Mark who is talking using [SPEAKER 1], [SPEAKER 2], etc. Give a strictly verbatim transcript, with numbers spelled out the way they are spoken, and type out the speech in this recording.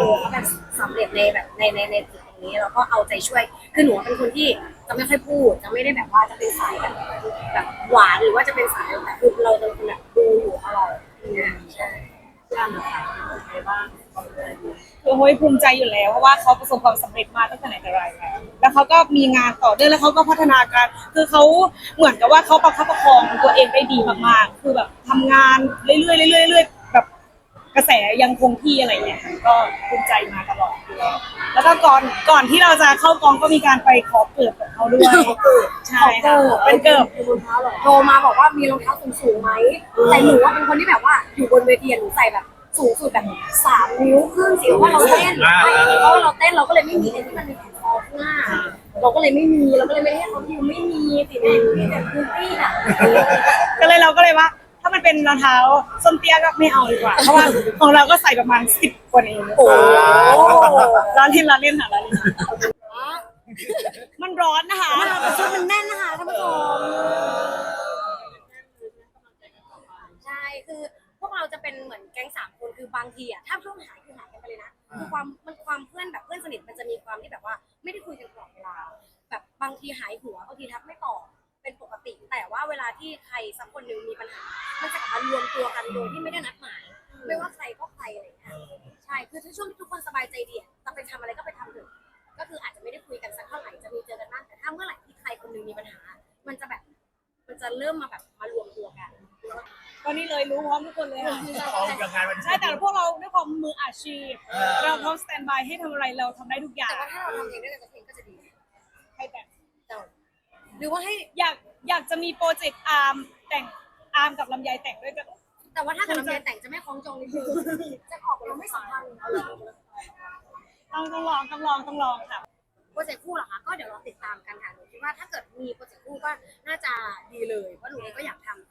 [SPEAKER 1] เขาแบบสำเร็จในแบบในในในจุดตรงนี้แล้วก็เอาใจช่วยคือหนูเป็นคนที่จะไม่ค่อยพูดจะไม่ได้แบบว่าจะเป็นสายแบบแบบหวานหรือว่าจะเป็นสายแต่คือเราจะเป็นคนแบบดูอยู่ตลอดเนี่ยใช่ย่านนะคะในบ้าน
[SPEAKER 2] คือโฮยภูมิใจอยู่แล้วเพราะว่าเขาประสบความสำเร็จมาตั้งแต่ไหนแต่ไรแล้วแล้วเขาก็มีงานต่อเนื่องแล้วเขาก็พัฒนาการคือเขาเหมือนกับว่าเขาประคับประคองตัวเองได้ดีมากๆคือแบบทำงานเรื่อยๆเรื่อยๆเรื่อยๆแบบกระแสยังคงที่อะไรอย่างเงี้ยค่ะก็ภูมิใจมาตลอดอยู่แล้วแล้วก็ก่อนก่อนที่เราจะเข้ากองก็มีการไปขอเกิดกับเขาด้วยใช่ค่ะเป็นเกิด
[SPEAKER 1] รองเท้าหรอโทรมาบอกว่ามีรองเท้าสูงสูงไหมแต่หนูว่าเป็นคนที่แบบว่าอยู่บนเวทีหนูใส่แบบสูงสุดแบบสามนิ้วครึ่งสิเพราะว่าเราเต้นเพราะว่าเราเต้นเราก็เลยไม่มีไอ้ที่มันมีแผ่นคอข้างหน้าเราก็เลยไม่มีเราก็เลยไม่ได้ให้เขาดิวไม่มีสิแม่มีแต่พื้นที่อ่ะ
[SPEAKER 2] ก็เลยเราก็เลยว่าถ้ามันเป็นรองเท้าส้นเตี้ยก็ไม่เอาดีกว่าเพราะว่าของเราก็ใส่ประมาณสิบกว่าเองโอ้ร้านเล่นร้านเล่นค่ะร้านเล่นมันร้อนนะคะ
[SPEAKER 1] แต่ชุดมันแน่นนะคะท่านผู้ชมใช่คือพวกเราจะเป็นเหมือนแก๊งสามคนคือบางทีอ่ะถ้าช่วงหายคือหายกันไปเลยนะคือความมันความเพื่อนแบบเพื่อนสนิทมันจะมีความที่แบบว่าไม่ได้คุยกันตลอดเวลาแบบบางทีหายหัวบางทีทักไม่ตอบเป็นปกติแต่ว่าเวลาที่ใครสักคนหนึ่งมีปัญหามันจะกลับมารวมตัวกันโดยที่ไม่ได้นัดหมายไม่ว่าใครก็ใครอะไรอย่างเงี้ยใช่คือถ้าช่วงที่ทุกคนสบายใจดีจะไปทำอะไรก็ไปทำเถอะก็คืออาจจะไม่ได้คุยกันสักเท่าไหร่จะมีเจอกันบ้างแต่ถ้าเมื่อไหร่ที่ใครคนหนึ่งมีปัญหามันจะแบบมันจะเริ่มมาแบบมารวมตัวกัน
[SPEAKER 2] ก็นี่เลยรู้พร้อมทุกคนเลยค่ะใช่แต่พวกเราด้วยความมืออาชีพเราพร้อมสแตนบายให้ทำอะไรเราทำได้ทุกอย่าง
[SPEAKER 1] แต่ว่าถ้าเราทำเองด้วยกันจะเพลงก็จะดี
[SPEAKER 2] ให้แต่ง
[SPEAKER 1] เจ้าหรือว่าให้
[SPEAKER 2] อยากอยากจะมีโปรเจกต์อาร์มแต่งอาร์มกับลำไยแต่งด้วยกัน
[SPEAKER 1] แต่ว่าถ้ากับลำไยแต่งจะไม่คล้องจองนิดนึงจะออกเราไม่สัมพันธ์
[SPEAKER 2] ต้องต้องลองต้องลองต้องลองค่ะ
[SPEAKER 1] โปรเจกต์คู่เหรอคะก็เดี๋ยวเราติดตามกันค่ะหนูคิดว่าถ้าเกิดมีโปรเจกต์คู่ก็น่าจะดีเลยเพราะหนูเองก็อยากทำ